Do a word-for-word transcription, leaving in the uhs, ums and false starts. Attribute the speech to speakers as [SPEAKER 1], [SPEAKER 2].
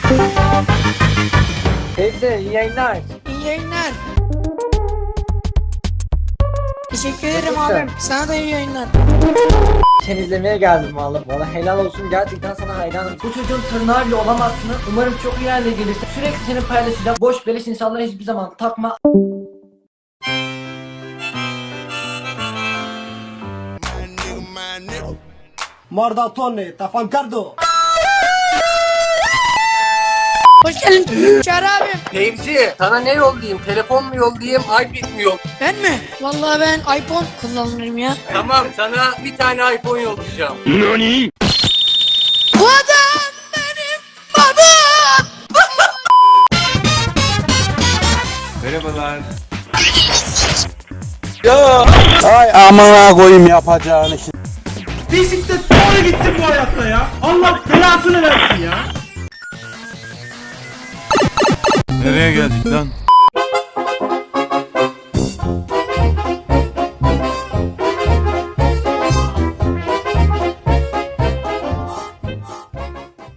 [SPEAKER 1] Teyze iyi yayınlar.
[SPEAKER 2] İyi yayınlar. Teşekkür ederim
[SPEAKER 1] Teşekkür.
[SPEAKER 2] abim. Sana da iyi yayınlar.
[SPEAKER 1] Seni izlemeye geldim vallahi. Valla helal olsun, gerçekten sana hayranım. Bu çocuğun tırnağı bile olamazsın. Umarım çok iyi yerlere gelirsin. Sürekli seni paylaşacağım. Boş beleş insanlara hiçbir zaman takma.
[SPEAKER 3] Mordatone, tafancardo.
[SPEAKER 2] Hoş geldin. Çağrı abim.
[SPEAKER 4] Fevzi, sana ne yollayayım? Telefon mu yollayayım, iPad mi yollayayım?
[SPEAKER 2] Ben mi? Vallahi ben iPhone kullanırım ya.
[SPEAKER 4] Tamam, sana bir tane iPhone yollayacağım.
[SPEAKER 2] Bu adam benim babam.
[SPEAKER 5] Merhabalar.
[SPEAKER 6] Ay amına koyayım yapacağını.
[SPEAKER 3] Bisiklet doğru gitsin bu hayatta ya. Allah belasını versin ya.
[SPEAKER 5] Nereye geldik lan?